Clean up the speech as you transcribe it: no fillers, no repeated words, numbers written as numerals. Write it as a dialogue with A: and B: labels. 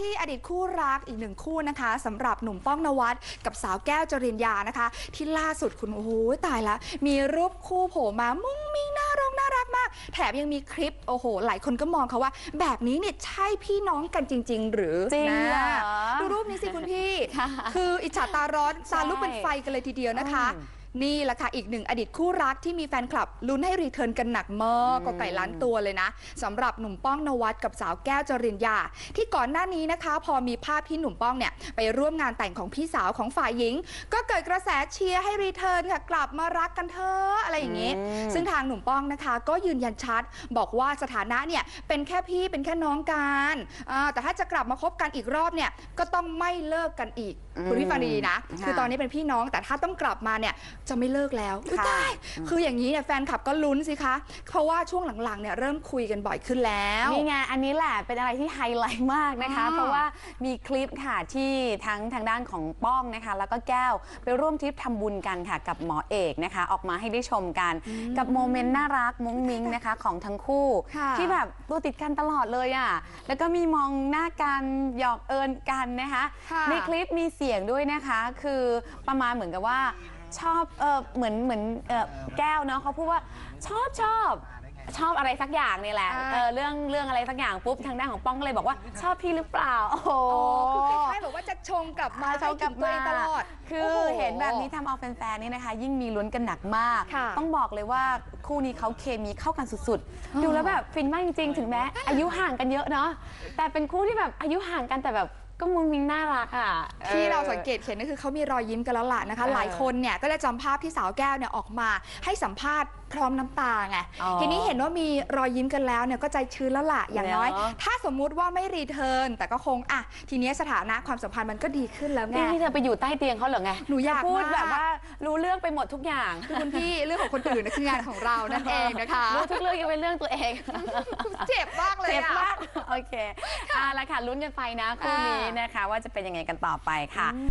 A: ที่อดีตคู่รักอีกหนึ่งคู่นะคะสำหรับหนุ่มป้องนวัดกับสาวแก้วจริญญานะคะที่ล่าสุดคุณโอ้โหตายละมีรูปคู่โผล่มามุ้งมิ้งน่ารักมากแถมยังมีคลิปโอ้โหหลายคนก็มองเขาว่าแบบนี้เนี่ยใช่พี่น้องกันจริงๆหรือ
B: จริงนะ
A: ดูรูปนี้สิคุณพี่คืออิจฉาตาร้อนตาลุกเป็นไฟกันเลยทีเดียวนะคะนี่แหละค่ะอีกหนึ่งอดีตคู่รักที่มีแฟนคลับลุ้นให้รีเทิร์นกันหนักมากก็ไก่ล้านตัวเลยนะสำหรับหนุ่มป้องนวัดกับสาวแก้วจริญญาที่ก่อนหน้านี้นะคะพอมีภาพที่หนุ่มป้องเนี่ยไปร่วมงานแต่งของพี่สาวของฝ่ายหญิงก็เกิดกระแสเชียร์ให้รีเทิร์นค่ะกลับมารักกันเถอะอะไรอย่างนี้ซึ่งทางหนุ่มป้องนะคะก็ยืนยันชัดบอกว่าสถานะเนี่ยเป็นแค่พี่เป็นแค่น้องกันแต่ถ้าจะกลับมาคบกันอีกรอบเนี่ยก็ต้องไม่เลิกกันอีกคุณพี่ฟังดีนะคือตอนนี้เป็นพี่น้องแต่ถ้าต้องกลับมาเนี่ยจะไม่เลิกแล้วใช่คืออย่างนี้เนี่ยแฟนคลับก็ลุ้นสิคะเพราะว่าช่วงหลังๆเนี่ยเริ่มคุยกันบ่อยขึ้นแล้ว
B: นี่ไงอันนี้แหละเป็นอะไรที่ไฮไลท์มากนะคะเพราะว่ามีคลิปค่ะที่ทางด้านของป้องนะคะแล้วก็แก้วไปร่วมทริปทำบุญกันค่ะกับหมอเอกนะคะออกมาให้ได้ชมกันกับโมเมนต์น่ารักมุ้งมิ้งนะคะของทั้งคู่ที่แบบตัวติดกันตลอดเลยอ่ะแล้วก็มีมองหน้ากันหยอกเอิญกันนะคะในคลิปมีเสียงด้วยนะคะคือประมาณเหมือนกับว่าชอบเหมือนแก้วเนาะเขาพูดว่าชอบอะไรสักอย่างนี่แหละเรื่องอะไรสักอย่างปุ๊บทางด้านของป้องก็เลยบอกว่าชอบพี่หรือเปล่าโอ้โห
A: คือคล้ายๆแบบว่าจะชงกลับมาชงกับตัวเองตลอด
B: คือเห็นแบบนี้ทำเอาแฟนๆนี่นะคะยิ่งมีลุ้นกันหนักมากต้องบอกเลยว่าคู่นี้เขาเคมีเข้ากันสุดๆดูแล้วแบบฟินมากจริงๆถึงแม้อายุห่างกันเยอะเนาะแต่เป็นคู่ที่แบบอายุห่างกันแต่แบบก็มุ้งมิ้งน่ารักอ่ะ
A: ที่เราสังเกตเห็นก็คือเขามีรอยยิ้มกันแล้วล่ะนะคะหลายคนเนี่ยก็ได้จำภาพที่สาวแก้วเนี่ยออกมาให้สัมภาษณ์พร้อมน้ำตาไงทีนี้เห็นว่ามีรอยยิ้มกันแล้วเนี่ยก็ใจชื้นแล้วล่ะอย่างน้อยถ้าสมมุติว่าไม่รีเทิร์นแต่ก็คงทีนี้สถานะความสัมพันธ์มันก็ดีขึ้นแล้วไง
B: ที่เธอไปอยู่ใต้เตียงเขาเหรอไง
A: หนูอยาก
B: พูดแบบว่ารู้เรื่องไปหมดทุกอย่าง
A: คือคุณพี่เรื่องของคนอื่นคืองานของเรานั่นเองนะคะ
B: รู้ทุกเรื่องยังเป็นเรื่องตัวเอง
A: เจ็บมากเลย
B: เจ็บมากโอเคแล้วค่ะลุ้นกันไปนะคู่นี้นะคะว่าจะเป็นยังไงกันต่อไปค่ะ